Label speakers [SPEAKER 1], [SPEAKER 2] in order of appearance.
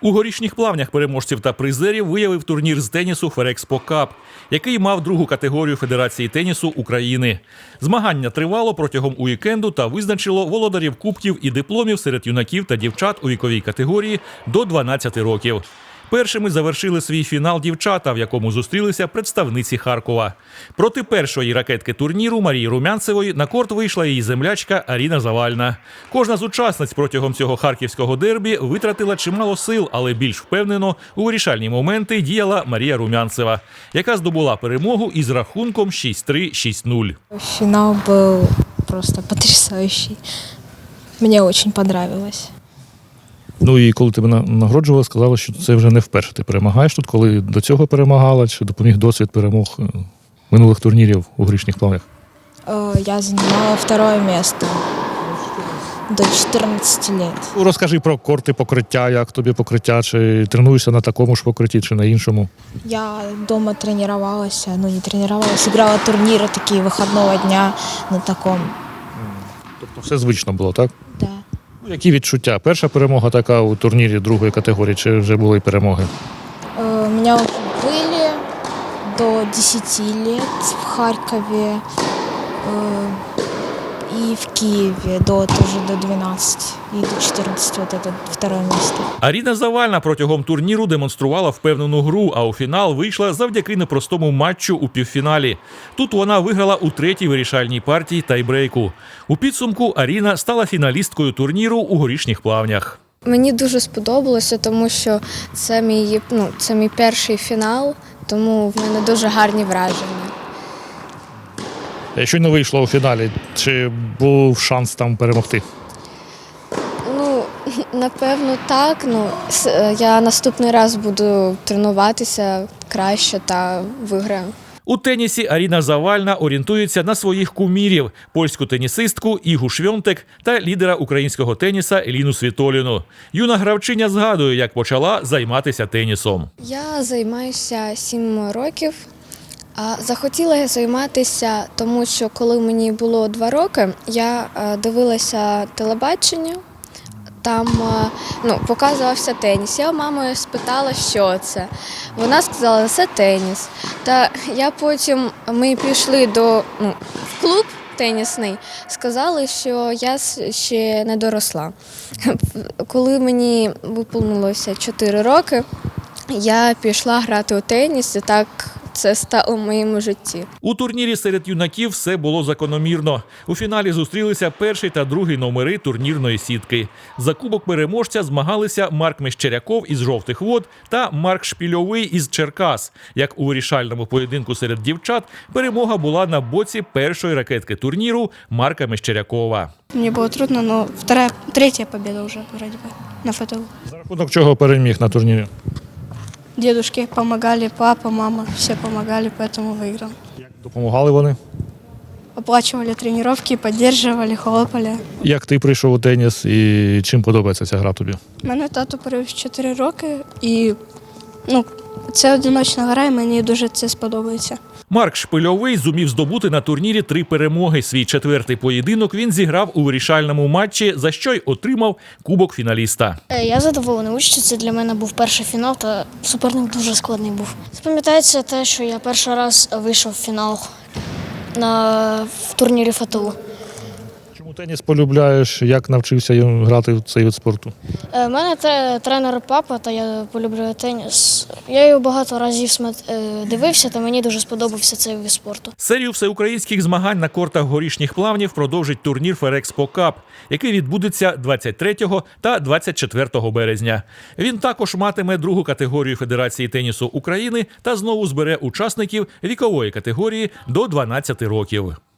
[SPEAKER 1] У Горішніх Плавнях переможців та призерів виявив турнір з тенісу Ferrexpo Cup, який мав другу категорію Федерації тенісу України. Змагання тривало протягом уікенду та визначило володарів кубків і дипломів серед юнаків та дівчат у віковій категорії до 12 років. Першими завершили свій фінал дівчата, в якому зустрілися представниці Харкова. Проти першої ракетки турніру Марії Румянцевої на корт вийшла її землячка Аріна Завальна. Кожна з учасниць протягом цього харківського дербі витратила чимало сил, але більш впевнено у вирішальні моменти діяла Марія Румянцева, яка здобула перемогу із рахунком 6-3, 6-0.
[SPEAKER 2] Финал был просто потрясающий. Мне очень понравилось.
[SPEAKER 3] Ну і коли тебе нагороджували, сказали, що це вже не вперше ти перемагаєш тут, коли до цього перемагала, чи допоміг досвід перемог минулих турнірів у Горішніх Плавнях?
[SPEAKER 2] Я занимала второе место до 14 лет.
[SPEAKER 3] Розкажи про корти покриття, як тобі покриття, чи тренуєшся на такому ж покритті, чи на іншому?
[SPEAKER 2] Я дома тренировалась, не тренировалась, играла турниры такие выходного дня на таком.
[SPEAKER 3] Тобто все звично було, так?
[SPEAKER 2] Да.
[SPEAKER 3] Які відчуття? Перша перемога така у турнірі другої категорії, чи вже були перемоги?
[SPEAKER 2] У меня уже были до 10 лет в Харькове и в Киеве тоже до 12 и до 14 вот это второе место.
[SPEAKER 1] Аріна Завальна протягом турніру демонструвала впевнену гру, а у фінал вийшла завдяки непростому матчу у півфіналі. Тут вона виграла у третій вирішальній партії тайбрейку. У підсумку Аріна стала фіналісткою турніру у Горішніх Плавнях.
[SPEAKER 4] Мені дуже сподобалося, тому що це мій перший фінал, тому в мене дуже гарні враження.
[SPEAKER 3] Щойно вийшло у фіналі, чи був шанс там перемогти?
[SPEAKER 4] Напевно, так. Я наступний раз буду тренуватися краще та виграю.
[SPEAKER 1] У тенісі Аріна Завальна орієнтується на своїх кумірів – польську тенісистку Ігу Швьонтек та лідера українського теніса Еліну Світоліну. Юна гравчиня згадує, як почала займатися тенісом.
[SPEAKER 4] Я займаюся 7 років. Захотіла я займатися, тому що коли мені було 2 роки, я дивилася телебачення, там показувався теніс. Я у мами спитала, що це. Вона сказала, це теніс. Та ми пішли в клуб тенісний, сказали, що я ще не доросла. Коли мені виповнилося 4 роки, я пішла грати у теніс і так це стало в моєму житті.
[SPEAKER 1] У турнірі серед юнаків все було закономірно. У фіналі зустрілися перший та другий номери турнірної сітки. За кубок переможця змагалися Марк Мещеряков із Жовтих Вод та Марк Шпільовий із Черкас. Як у вирішальному поєдинку серед дівчат, перемога була на боці першої ракетки турніру Марка Мещерякова.
[SPEAKER 5] Мне было трудно, но третья победа уже вроде бы на ФТУ.
[SPEAKER 3] За рахунок чого переміг на турнірі?
[SPEAKER 5] Дедушки помогали, папа, мама, все помогали, поэтому выиграл.
[SPEAKER 3] Як допомагали вони?
[SPEAKER 5] Оплачивали тренировки, поддерживали, хлопали.
[SPEAKER 3] Як ти прийшов у теніс і чим подобається ця гра тобі?
[SPEAKER 5] Мене тато привів 4 роки і це одиночна гра, і мені дуже це сподобається.
[SPEAKER 1] Марк Шпильовий зумів здобути на турнірі 3 перемоги. Свій 4-й поєдинок він зіграв у вирішальному матчі, за що й отримав кубок фіналіста.
[SPEAKER 6] Я задоволений участю. Це для мене був перший фінал, та суперник дуже складний був. Запам'ятається те, що я перший раз вийшов в фінал в турнірі ФТУ.
[SPEAKER 3] Чому теніс полюбляєш? Як навчився грати в цей вид спорту?
[SPEAKER 6] У мене тренер папа, та я полюблюю теніс. Я його багато разів дивився, та мені дуже сподобався цей вид спорту.
[SPEAKER 1] Серію всеукраїнських змагань на кортах Горішніх Плавнів продовжить турнір Ferrexpo Cup, який відбудеться 23 та 24 березня. Він також матиме другу категорію Федерації тенісу України та знову збере учасників вікової категорії до 12 років.